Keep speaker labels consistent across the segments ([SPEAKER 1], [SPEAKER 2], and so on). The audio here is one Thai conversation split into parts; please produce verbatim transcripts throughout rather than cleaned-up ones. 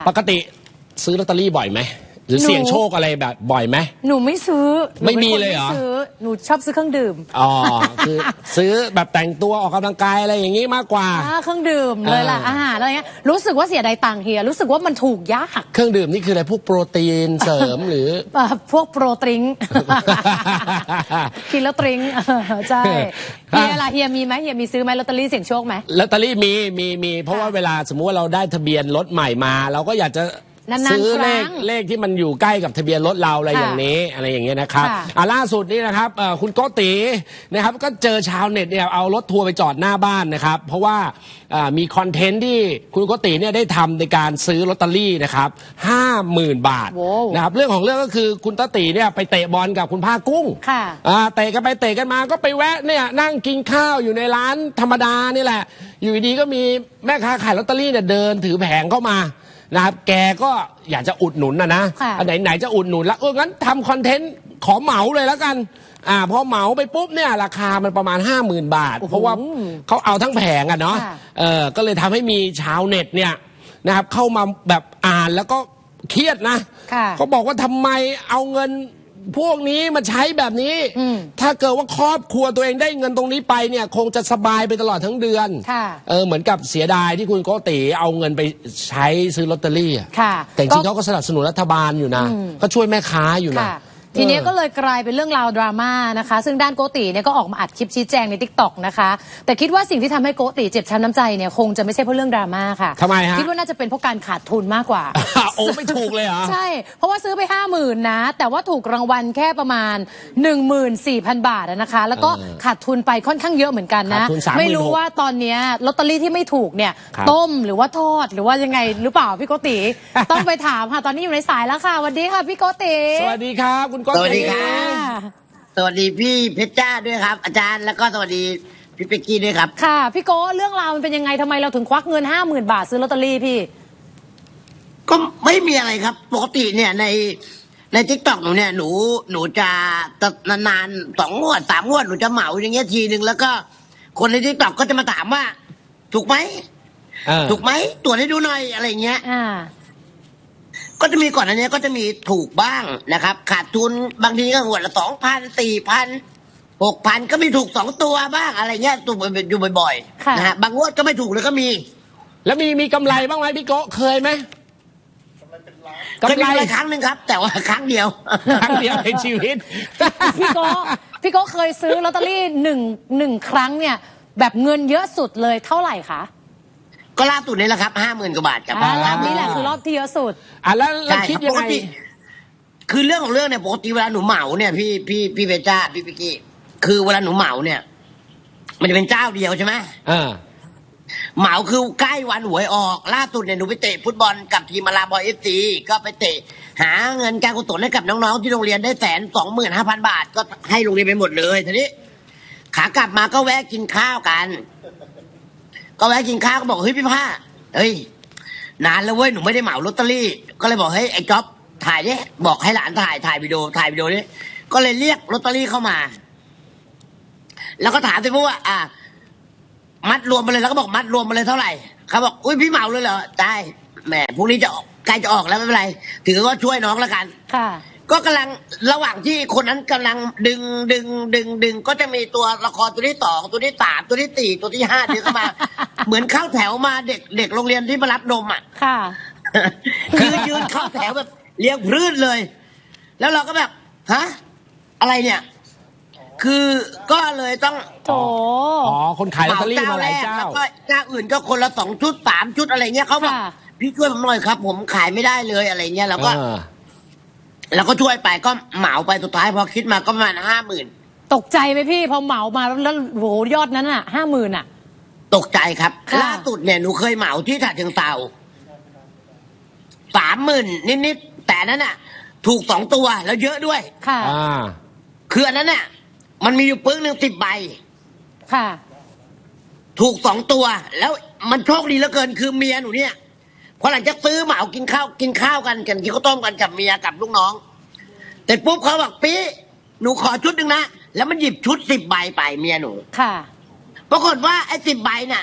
[SPEAKER 1] ปกติซื้อลอตเตอรี่บ่อยไหมหรือเสี่ยงโชคอะไรแบบบ่อยไหม
[SPEAKER 2] หนูไม่ซื้อ
[SPEAKER 1] ไม่มีเลยเหรอ
[SPEAKER 2] หนูชอบซื้อเครื่องดื่ม
[SPEAKER 1] อ๋อคือซื้อแบบแต่งตัวออกกำลังกายอะไรอย่างนี้มากกว่า
[SPEAKER 2] เครื่องดื่มเลยล่ะอาหารอะไรเงี้ยรู้สึกว่าเสียดายตังค์เฮียรู้สึกว่ามันถูกยาก
[SPEAKER 1] เครื่องดื่มนี่คืออะไรพวกโปรตีนเสริมหรือ
[SPEAKER 2] พวกโปรตริงกินแล้วตริงใช่เฮียล่ะเฮียมีไหมเฮียมีซื้อไหมลอตเตอรี่เสี่ยงโชคไหม
[SPEAKER 1] ลอตเตอรี่มีมีมีเพราะว่าเวลาสมมุติว่าเราได้ทะเบียนรถใหม่มาเราก็อยากจะซื้อเลขเลขที่มันอยู่ใกล้กับทะเบียนรถเราอะไรอย่างนี้อะไรอย่างเงี้ยนะครับอ่าล่าสุดนี้นะครับคุณโกตินะครับก็เจอชาวเน็ตเนี่ยเอารถทัวร์ไปจอดหน้าบ้านนะครับเพราะว่ามีคอนเทนต์ที่คุณโกติเนี่ยได้ทำในการซื้อลอตเตอรี่นะครับห้าหมื่นบาทนะครับเรื่องของเรื่องก็คือคุณโกติเนี่ยไปเตะบอลกับคุณผ้ากุ้งอ่าเตะกันไปเตะกันมาก็ไปแวะเนี่ยนั่งกินข้าวอยู่ในร้านธรรมดานี่แหละอยู่ดีก็มีแม่ค้าขายลอตเตอรี่เนี่ยเดินถือแผงเข้ามานะครับแกก็อยากจะอุดหนุนนะนะอันไหนไหนจะอุดหนุนแล้วเอองั้นทำคอนเทนต์ขอเหมาเลยแล้วกันอ่าพอเหมาไปปุ๊บเนี่ยราคามันประมาณห้าหมื่นบาทเพราะว่าเขาเอาทั้งแผงอะเนาะเออก็เลยทำให้มีชาวเน็ตเนี่ยนะครับเข้ามาแบบอ่านแล้วก็เครียดนะเขาบอกว่าทำไมเอาเงินพวกนี้มาใช้แบบนี้ถ้าเกิดว่าครอบครัวตัวเองได้เงินตรงนี้ไปเนี่ยคงจะสบายไปตลอดทั้งเดือนเออเหมือนกับเสียดายที่คุณโกติเอาเงินไปใช้ซื้อลอตเตอรี่แต่จริงๆเขาก็สนับสนุนรัฐบาลอยู่นะก็ช่วยแม่ค้าอยู่นะ
[SPEAKER 2] ทีนี้ก็เลยกลายเป็นเรื่องราวดราม่านะคะซึ่งด้านโกติเนี่ยก็ออกมาอัดคลิปชี้แจงใน ติ๊กต็อก นะคะแต่คิดว่าสิ่งที่ทำให้โกติเจ็บช้ำน้ำใจเนี่ยคงจะไม่ใช่เพราะเรื่องดราม่าค่ะ
[SPEAKER 1] ทำไมฮะ
[SPEAKER 2] คิดว่าน่าจะเป็นเพราะการขาดทุนมากกว่า
[SPEAKER 1] โอ้ไม่ถูกเลยเหรอ
[SPEAKER 2] ใช่เพราะว่าซื้อไปห้าหมื่นนะแต่ว่าถูกรางวัลแค่ประมาณ หนึ่งหมื่นสี่พัน บาทนะคะแล้วก็ขาดทุนไปค่อนข้างเยอะเหมือนกันนะไม่รู้ว่าตอนนี้ลอตเตอรี่ที่ไม่ถูกเนี่ยต้มหรือว่าทอดหรือว่ายังไงหรือเปล่าพี่โกติต้องไปถามค่ะตอนนี้อยู่ในสายแล้วค่ะสวัสดีค่ะพี่โกติ
[SPEAKER 1] สวัสดีครับคุณโกติ
[SPEAKER 3] สวัสดีพี่เพชรจ้าด้วยครับอาจารย์แล้วก็สวัสดีพี่เป็กกี้ด้วยครับ
[SPEAKER 2] ค่ะพี่โก้เรื่องราวมันเป็นยังไงทำไมเราถึงควักเงินห้าหมื่นบาทซื้อลอตเตอรี่พี่
[SPEAKER 3] ก็ไม่มีอะไรครับปกติเนี่ยในในทิกตอกหนูเนี่ยหนูหนูจะนานๆสองงวดสามงวดหนูจะเหมาอย่างเงี้ยทีนึงแล้วก็คนในทิกตอกก็จะมาถามว่าถูกไหมถูกไหมตรวจให้ดูหน่อยอะไรเงี้ยก็จะมีก่อนอันนี้ก็จะมีถูกบ้างนะครับขาดทุนบางทีก็หัวละสองพันสี่พันหกพันก็มีถูกสองตัวบ้างอะไรเงี้ยถูกอยู่บ่อยๆนะฮะบางงวดก็ไม่ถูกเลยก็มี
[SPEAKER 1] แล้วมีมีกำไรบ้างไหมพี่โก้เคยไหม
[SPEAKER 3] เคยมีกำไรครั้งหนึ่งครับแต่ว่าครั้งเดียว
[SPEAKER 1] ครั้งเดียวในชีวิต
[SPEAKER 2] พี่โก้พี่โก้เคยซื้อลอตเตอรี่หนึ่งหนึ่งครั้งเนี่ยแบบเงินเยอะสุดเลยเท่าไหร่คะ
[SPEAKER 3] ก็ล่าสุดนี่แหละครับห้าหมื่นกว่าบาทครับ
[SPEAKER 2] รอบนี้แหละคือรอบที่เยอะสุด
[SPEAKER 1] อ่ะแล้วเราคิดยังไง
[SPEAKER 3] คือเรื่องของเรื่องเนี่ยปกติเวลาหนูเหมาเนี่ยพี่พี่พี่เบจ้าพี่พิกกี้คือเวลาหนูเหมาเนี่ยมันจะเป็นเจ้าเดียวใช่ไหม
[SPEAKER 1] อ่า
[SPEAKER 3] เหมาคือใกล้วันหวยออกล่าสุดเนี่ยหนูไปเตะฟุตบอลกับทีมมาลาบอยเอฟซีก็ไปเตะหาเงินการกุศลให้กับน้องๆที่โรงเรียนได้แสนสองหมื่นห้าพันบาทก็ให้โรงเรียนไปหมดเลยทีนี้ขากลับมาก็แวะกินข้าวกันก็แวะกินข้าวก็บอกเฮ้ยพี่ผ้าเฮ้ยนานแล้วเว้ยหนูไม่ได้เหมาลอตเตอรี่ก็เลยบอกเฮ้ยไอ้จ๊อบถ่ายดิบอกให้หลานถ่ายถ่ายวิดีโอถ่ายวิดีโอนี้ก็เลยเรียกลอตเตอรี่เข้ามาแล้วก็ถามไปพวกว่าอ่ะมัดรวมไปเลยแล้วก็บอกมัดรวมไปเลยเท่าไหร่เขาบอกอุ้ยพี่เหมาเลยเหรอได้แหมพรุ่งนี้จะออกใกล้จะออกแล้วไม่เป็นไรถือว่าช่วยน้องแล้วกัน
[SPEAKER 2] ค่ะ
[SPEAKER 3] ก็กำลังระหว่างที่คนนั้นกำลังดึงดึงดึงดึงก็จะมีตัวละครตัวที่สองตัวที่สามตัวที่สี่ตัวที่ห้าเดินเข้ามาเหมือนเข้าแถวมาเด็กเด็กโรงเรียนที่มารับนมอ่ะ
[SPEAKER 2] ค่ะ
[SPEAKER 3] คือยืนเข้าแถวแบบเลี้ยงพื้นเลย แล้วเราก็แบบฮะอะไรเนี่ยคือก็เลยต้อง
[SPEAKER 2] โถ
[SPEAKER 1] อ๋อคนขายลอตเตอรี่มาหลายเจ้า
[SPEAKER 3] แล้วก็เจ้าอื่นก็คนละสองชุดสามชุดอะไรเงี้ยเขาบอกพี่ช่วยผมหน่อยครับผมขายไม่ได้เลยอะไรเงี้ยแล้วก็แล้วก็ช่วยไปก็เหมาไปสุดท้ายพอคิดมาก็ประมาณห้าหมื่น
[SPEAKER 2] ตกใจไหมพี่พอเหมามาแล้วโหยอดนั้นอ่ะห้าหมื่นอ่ะ
[SPEAKER 3] ตกใจครับล่าสุดเนี่ยหนูเคยเหมาที่ฉะเชิงเทราสามหมื่นนิดๆแต่นั้นน่ะถูกสองตัวแล้วเยอะด้วย
[SPEAKER 2] ค่ะ
[SPEAKER 3] คืออันนั้นน่ะมันมีอยู่ปึ้งหนึ่งสิบใบ
[SPEAKER 2] ค่ะ
[SPEAKER 3] ถูกสองตัวแล้วมันโชคดีเหลือเกินคือเมียหนูเนี่ยพอหลังจากซื้อเหมากินข้าวกินข้าวกันกันกินข้าวต้มกันกับเมียกับลูกน้องแต่ปุ๊บเขาบอกปีหนูขอชุดหนึ่งนะแล้วมันหยิบชุดสิบใบไปเมียหนู
[SPEAKER 2] ค่ะ
[SPEAKER 3] ปรากฏว่าไอ้สิบใบน่ะ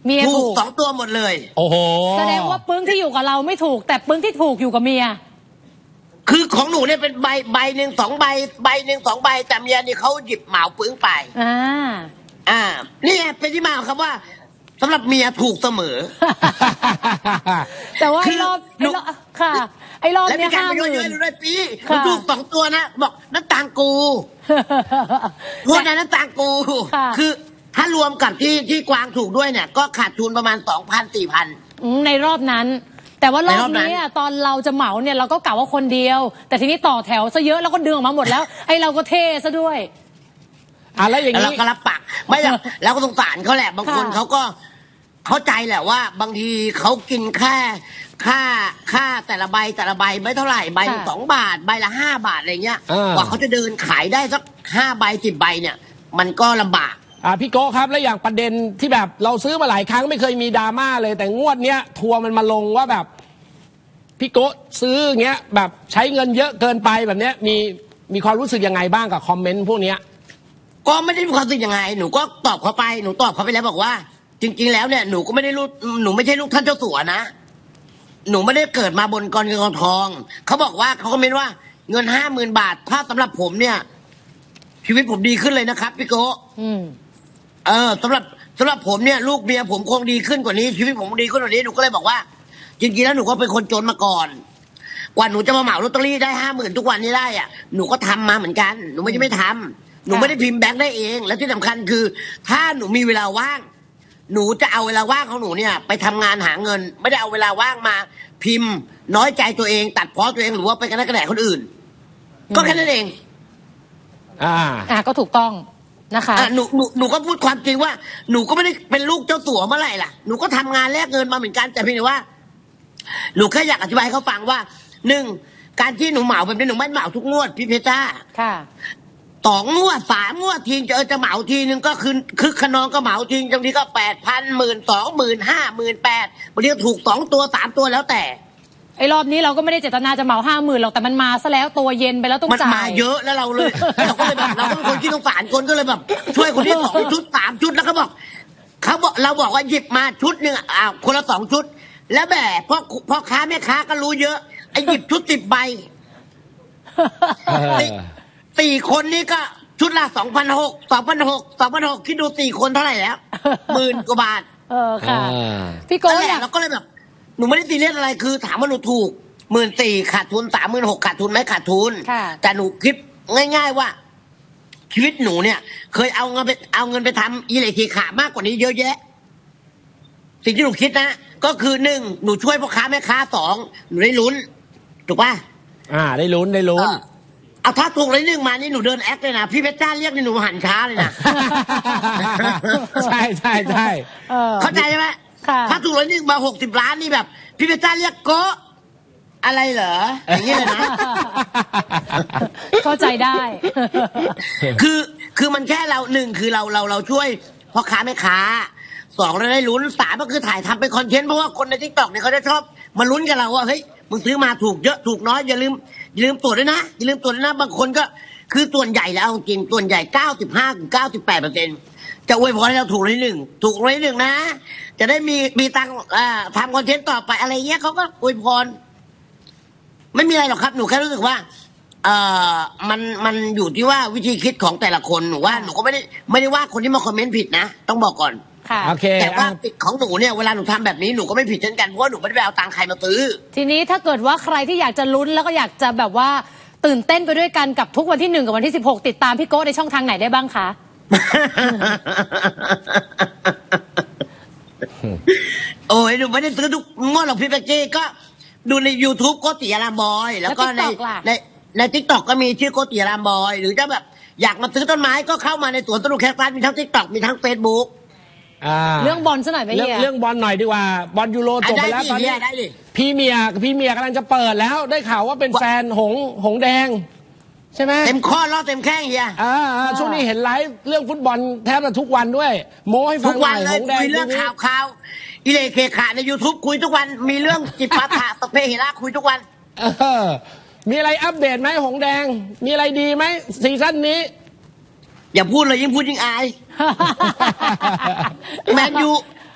[SPEAKER 2] เมีย
[SPEAKER 3] ถู
[SPEAKER 2] ถู
[SPEAKER 3] ก
[SPEAKER 2] ก
[SPEAKER 3] สองตัวหมดเลย
[SPEAKER 1] โอ้โห
[SPEAKER 2] แสดงว่าปึ้งที่อยู่กับเราไม่ถูก แต่ปึ้งที่ถูกอยู่กับเมีย
[SPEAKER 3] คือของหนูเนี่ยเป็นใบใบหนึ่งสองใบใบหนึ่งสองใบแต่เมียนี่เขาหยิบเหมาปึ้งไป
[SPEAKER 2] อ่า
[SPEAKER 3] อ่านี่ไงเป็นที่มาของคำว่าสำหรับเมียถูกเสมอ
[SPEAKER 2] แต่ว่า
[SPEAKER 3] คื
[SPEAKER 2] ไอ้
[SPEAKER 3] อ
[SPEAKER 2] รอบ
[SPEAKER 3] หนู
[SPEAKER 2] ไอ้รอบค่ะ ไอ้รอบ
[SPEAKER 3] และ
[SPEAKER 2] เนี้
[SPEAKER 3] มี
[SPEAKER 2] ย
[SPEAKER 3] การ
[SPEAKER 2] ห้า
[SPEAKER 3] ไป
[SPEAKER 2] หมื่
[SPEAKER 3] เยอะ
[SPEAKER 2] น
[SPEAKER 3] ๆหนูได้ปี
[SPEAKER 2] ค่ะ
[SPEAKER 3] มันถูกสองตัวนะบอกน้ำตาลกูโทษนะน้ำตาลกู
[SPEAKER 2] ค่ะ
[SPEAKER 3] คือถ้ารวมกับที่ที่กวางถูกด้วยเนี่ย ก็ขาดทุนประมาณสองพันสี่พัน
[SPEAKER 2] อืมในรอบนั้น แต่ว่ารอบ
[SPEAKER 3] ในรอบนั้น
[SPEAKER 2] นี้อะตอนเราจะเหมาเนี่ยเราก็กะว่าคนเดียว แต่ทีนี้ต่อแถวซะเยอะแล้วก็ดึงออกมาหมดแล้ว ไอ้เราก็เท่ซะด้วย
[SPEAKER 1] อ่ะแล้วอย่าง
[SPEAKER 3] แล้วเรา
[SPEAKER 1] นี้
[SPEAKER 3] ก็รับปากไม่หรอกแล้วก็สงสารเขาแหละ บางคน
[SPEAKER 2] ค่ะ
[SPEAKER 3] เขาก็เข้าใจแหละว่า บางทีเขากินแค่ค่าค่าแต่ละใบแต่ละใบไม่เท่าไหร่ใบละสองบาทใบละห้าบาทอะไรเงี้ย
[SPEAKER 1] อ่าก
[SPEAKER 3] ว่าเขาจะเดินขายได้สักห้าใบสิบใบเนี่ย มันก็ลำบาก
[SPEAKER 1] อ่าพี่โก้ครับแล้วอย่างประเด็นที่แบบเราซื้อมาหลายครั้งไม่เคยมีดราม่าเลย แต่งวดเนี้ยทัวร์มันมาลงว่าแบบพี่โก้ซื้ออย่างเงี้ยแบบใช้เงินเยอะเกินไปแบบเนี้ยมีมีความรู้สึกยังไงบ้างกับคอมเมนต์พวกเนี้ย
[SPEAKER 3] ก็ไม่ได้มีความรู้สึกยังไง หนูก็ตอบเขาไป หนูตอบเขาไปแล้วบอกว่า จริง ๆ แล้วเนี่ย หนูก็ไม่ได้ลูกหนูไม่ใช่ลูกท่านเจ้าสัวนะ หนูไม่ได้เกิดมาบนกองเงินกองทอง เขาบอกว่าเขาคอมเมนต์ว่าเงินห้าหมื่นบาท ถ้าสำหรับผมเนี่ย ชีวิตผมดีขึ้นเลยนะครับพี่โก
[SPEAKER 2] อืม
[SPEAKER 3] เออสำหรับสำหรับผมเนี่ย ลูกเมียผมคงดีขึ้นกว่านี้ ชีวิตผมดีขึ้นกว่านี้ หนูก็เลยบอกว่า จริงๆแล้วหนูก็เป็นคนจนมาก่อน กว่าหนูจะมาเหมาลอตเตอรี่ได้ห้าหมื่นทุกวันนี้ได้อะหนูก็ทำมาเหมือนกัน หนูไม่ใช่ไม่ทำหนูไม่ได้พิมพ์แบงค์ได้เอง และที่สำคัญคือ ถ้าหนูมีเวลาว่าง หนูจะเอาเวลาว่างของหนูเนี่ย ไปทำงานหาเงิน ไม่ได้เอาเวลาว่างมาพิมพ์ น้อยใจตัวเอง ตัดพ้อตัวเองหรือว่าไปกระแนกกระแหนคนอื่น ก็แค่นั้นเอง
[SPEAKER 1] อ่า
[SPEAKER 2] อ่ะก็ถูกต้องนะคะ
[SPEAKER 3] อ่ะหนูหนูหนูก็พูดความจริงว่าหนูก็ไม่ได้เป็นลูกเจ้าสัวเมื่อไหร่ล่ะหนูก็ทำงานแลกเงินมาเหมือนกันแต่เพียงแต่ว่า หนูแค่อยากอธิบายให้เขาฟังว่าหนึ่งการที่หนูเหมาแบบนี้หนูไม่เหมาทุกงวดพี่เพชรจ้า
[SPEAKER 2] ค่ะ
[SPEAKER 3] สองงวดสามงวดทีจะเออจะเหมาทีนึงก็คือคือขนองก็เหมาทีบางทีก็แปดพันหมื่นสองหมื่นห้าหมื่นแปดบางทีก็ถูกสองตัวสามตัวแล้วแต่
[SPEAKER 2] ไอ้รอบนี้เราก็ไม่ได้เจตนาจะเหมาห้าหมื่นหรอกแต่มันมาซะแล้วตัวเย็นไปแล้วต้อง
[SPEAKER 3] มัน
[SPEAKER 2] จ่าย
[SPEAKER 3] มาเยอะแล้วเราเลย เราก็เลยแบบเราก็เป็นคนที่สงสารคนก็เลยแบบ ช่วยคนที่สองชุดสามชุดแล้วก็บอกเขาบอกเราบอกว่าหยิบมาชุดหนึ่งอ่าคนละสองชุด แล้วแบบพ่อพ่อค้าแม่ค้าก็รู้เยอะไอ้หยิบชุดสิบใบ สี่สี่คนนี่ก็ชุดละสองพันหกสองพันหกสองพันหกคิดดูสี่คนเท่าไหร่แล้วหมื่นกว่าบาท
[SPEAKER 2] เออค่ะ
[SPEAKER 1] อ่า
[SPEAKER 2] พี่โก้
[SPEAKER 3] นั่นแห
[SPEAKER 2] อยา
[SPEAKER 3] ละ
[SPEAKER 2] ก
[SPEAKER 3] เราก็เลยแบบหนูไม่ได้ตีเรียสอะไรคือ ถามว่าหนูถูกหมื่นสี่ขาดทุนสามหมื่นหกขาดทุนไหมขาดทุน
[SPEAKER 2] ค่ะ
[SPEAKER 3] แต่หนูคิดง่าย ๆว่า ชีวิตหนูเนี่ย เคยเอาเงินไปเอาเงินไปทำอีเล็กทีขามากกว่านี้เยอะแยะ สิ่งที่หนูคิดนะก็คือหนึ่งหนูช่วยพ่อค้าแม่ค้าสองหนูได้ลุ้นถูกป่ะ
[SPEAKER 1] อ่าได้ลุ้นได้ลุ้น
[SPEAKER 3] เออเอาถ้าถูกเลยหนึ่งมานี่หนูเดินแอคเลยนะพี่เพชรจ้าเรียกนี่หนูหันช้าเลยนะ
[SPEAKER 1] ใช่ใช่ใช่
[SPEAKER 2] เออ
[SPEAKER 3] เข้าใจใช่ไหม
[SPEAKER 2] ค่ะ
[SPEAKER 3] ถ้าถูกเลยหนึ่งมาหกสิบล้านนี่แบบ พี่เพชรจ้าเรียกโกะอะไรเหรออย่างนี้เลยนะ
[SPEAKER 2] เข้าใจได้
[SPEAKER 3] คือคือมันแค่เราหนึ่งคือเราเราเราช่วยพ่อค้าแม่ค้าสองเราได้ลุ้นสามก็คือถ่ายทำเป็นคอนเทนต์เพราะว่าคนในทิกตอกเนี่ยเขาจะชอบมาลุ้นกับเราว่าเฮ้ยมึงซื้อมาถูกเยอะถูกน้อยอย่าลืมอย่าลืมตรวจด้วยนะอย่าลืมตรวจด้วยนะบางคนก็คือส่วนใหญ่แล้วเอาจริงส่วนใหญ่เก้าสิบห้าถึงเก้าสิบแปดเปอร์เซ็นต์จะอวยพรให้เราถูกเลยหนึ่งถูกเลยหนึ่งนะ จะได้มีมีตังค์อ่าทำคอนเทนต์ต่อไปอะไรเงี้ยเขาก็อวยพร ไม่มีอะไรหรอกครับหนูแค่รู้สึกว่า เอ่อมันมันอยู่ที่ว่าวิธีคิดของแต่ละคนหนูว่าหนูก็ไม่ได้ไม่ได้ว่าคนที่มาคอมเมนต์ผิดนะต้องบอกก่อน
[SPEAKER 2] ค่ะ
[SPEAKER 1] โอเค
[SPEAKER 3] แต่ว่า
[SPEAKER 1] อ่ะ
[SPEAKER 3] ติดของหนูเนี่ยเวลาหนูทำแบบนี้หนูก็ไม่ผิดเช่นกันเพราะว่าหนูไม่ได้ไปเอาตังค์ใครมาซื้อ
[SPEAKER 2] ทีนี้ถ้าเกิดว่าใครที่อยากจะลุ้นแล้วก็อยากจะแบบว่าตื่นเต้นไปด้วยกันกับทุกวันที่หนึ่งกับวันที่สิบหกติดตามพี่โก้ในช่องทางไหนได้บ้างคะ
[SPEAKER 3] โอ้ยหนูไม่ได้ซื้อทุกงวดหรอกพี่เป๊กกี้ก็ดูใน YouTube โกติอารามบอย แล้วก็ใน
[SPEAKER 2] แล้ว TikTok ล่ะ
[SPEAKER 3] ในในทิกตอกก็มีชื่อโกติอารามบอย หรือจะแบบอยากมาซื้อต้นไม้ก็เข้ามาในสวนต้นลูกแคคตัสมีทั้งทิกตอกมีทั้งเฟซบุ๊ก
[SPEAKER 1] อ่า
[SPEAKER 2] เรื่องบอลซะหน่อยไหม
[SPEAKER 1] เรื่อง
[SPEAKER 2] เฮีย
[SPEAKER 1] เรื่องบอลหน่อยดีกว่าบอลยูโรจบไปแล้ว
[SPEAKER 3] ได้ดิ
[SPEAKER 1] ตอนนี้
[SPEAKER 3] ได้ดิ
[SPEAKER 1] พี่เมียพี่เมียกำลังจะเปิดแล้วได้ข่าวว่าเป็นแฟนหงหงแดง ใช่ไหม
[SPEAKER 3] เต็มข้อล้อเต็มแข้งเฮีย
[SPEAKER 1] อ่าอ่าช่วงนี้เห็นไลฟ์เรื่องฟุตบอลแทบจะทุกวันด้วย โม้ให้ฟั
[SPEAKER 3] ทุ
[SPEAKER 1] ง
[SPEAKER 3] ก
[SPEAKER 1] ห
[SPEAKER 3] วั
[SPEAKER 1] น่
[SPEAKER 3] น
[SPEAKER 1] อย
[SPEAKER 3] เล
[SPEAKER 1] ห
[SPEAKER 3] ย
[SPEAKER 1] งแดง
[SPEAKER 3] คุยเรื่อง
[SPEAKER 1] ทีนี้
[SPEAKER 3] ข่าวข่าวอิเลเคขาใน YouTube คุยทุกวันมีเรื่องจิปาถะสเปเฮระคุยทุกวัน
[SPEAKER 1] เออมีอะไรอัปเดตไหมหงแดง มีอะไรดีไหมซีซั่นนี้
[SPEAKER 3] อย่าพูดเลยยิ่งพูดยิ่งอาย แมนยู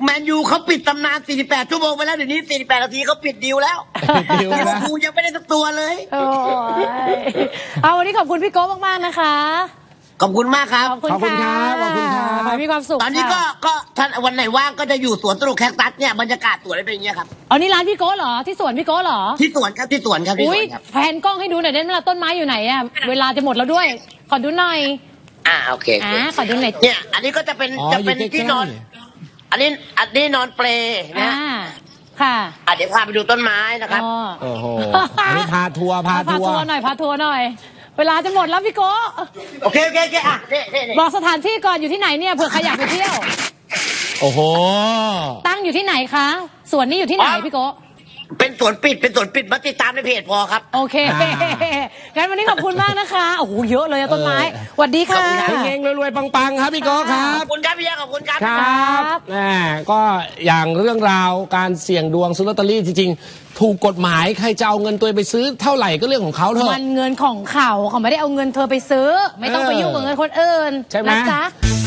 [SPEAKER 3] แมนยูเขาปิดตำนานสี่สิบแปดชั่วโมงไปแล้วเดี๋ยวนี้สี่สิบแปดนาทีเขาปิดดีลแล้ว
[SPEAKER 1] ดิว
[SPEAKER 3] ลิเวอ
[SPEAKER 1] นะ
[SPEAKER 3] ร์พูลยังไม่ได้สักตัวเลย
[SPEAKER 2] โอ้ยเอาวันนี้ขอบคุณพี่โก้มากๆนะคะ
[SPEAKER 3] ขอบคุณมากครับ
[SPEAKER 2] ขอบคุณ
[SPEAKER 1] ขอบคุณครับขอบคุณครับ
[SPEAKER 2] ขอให้มีความสุข
[SPEAKER 3] ตอนนี้ก็
[SPEAKER 2] ค่ะ
[SPEAKER 3] ก็ท่านวันไหนว่างก็จะอยู่สวนสนุกแคคตัสเนี่ยบรรยากาศสวนอะไรเป็นอย่างเงี้ยครับ
[SPEAKER 2] อ๋อนี่ร้านพี่โก้เหรอที่สวนพี่โก้เหรอ
[SPEAKER 3] ที่สวนครับที่สวนครับที่ส
[SPEAKER 2] อุ้
[SPEAKER 3] วย นครับ
[SPEAKER 2] แผนกล้องให้ดูหน่อยได้ไหมล่ะต้นไม้อยู่ไหนอะเวลาจะหมดแล้วด้วย ขอดูหน่อย
[SPEAKER 3] อ่าโอเคโอ
[SPEAKER 2] อ่า
[SPEAKER 3] เค
[SPEAKER 2] ขอดูหน่อย
[SPEAKER 3] เนี่ย อันนี้ก็จะเป็น
[SPEAKER 1] อ๋อ
[SPEAKER 3] จะเป็น
[SPEAKER 1] อยู่ใกล้ๆ
[SPEAKER 3] ที่นอน อันนี้อันนี้นอนเปลนะ
[SPEAKER 2] อ่าค่ะ
[SPEAKER 3] อ่ะเดี๋ยวพาไปดูต้นไม้นะครับ
[SPEAKER 2] อ๋อ
[SPEAKER 1] โอ้โหอันนี้พาทัวร์พา
[SPEAKER 2] พา
[SPEAKER 1] ทัว
[SPEAKER 2] ทัว
[SPEAKER 1] ร์
[SPEAKER 2] ร์หน่อยพาทัวร์หน่อย เวลาจะหมดแล้วพี่โก้
[SPEAKER 3] โอเคโอเคโอเคอ่ะนี่นี่นี่
[SPEAKER 2] บอกสถานที่ก่อนอยู่ที่ไหนเนี่ยเผื่อใครอยากไปเที่ยว
[SPEAKER 1] โอ้โห
[SPEAKER 2] ตั้งอยู่ที่ไหนคะสวนนี้อยู่ที่ไหนพี่โก้
[SPEAKER 3] เป็นสวนปิดเป็นสวนปิดมาติดตามในเพจพอครับ
[SPEAKER 2] โอเค
[SPEAKER 1] อ่า
[SPEAKER 2] งั้นวันนี้ขอบคุณมากนะคะโอ้โหเยอะเลยอะต้นไม้สวัสดีค่ะ
[SPEAKER 1] เฮงๆรวยๆปังๆครับพี่โก้ครั
[SPEAKER 3] ข
[SPEAKER 1] บ
[SPEAKER 3] อบคุณครับพี่ยักษ์ขอบคุณครับ
[SPEAKER 1] ครับแหมก็อย่างเรื่องราวการเสี่ยงดวงซื้อลอตเตอรี่จริงๆ ถูกกฎหมายใครจะเอาเงินตัวเองไปซื้อเท่าไหร่ก็เรื่องของเขาเถ
[SPEAKER 2] มั
[SPEAKER 1] อะ
[SPEAKER 2] นเงินของเขาเขาไม่ได้เอาเงินเธอไปซื้อ ไม่ต้องไปยุ่งกับเงินคนอื่น
[SPEAKER 1] ใช่ไหม
[SPEAKER 2] นะจ๊ะ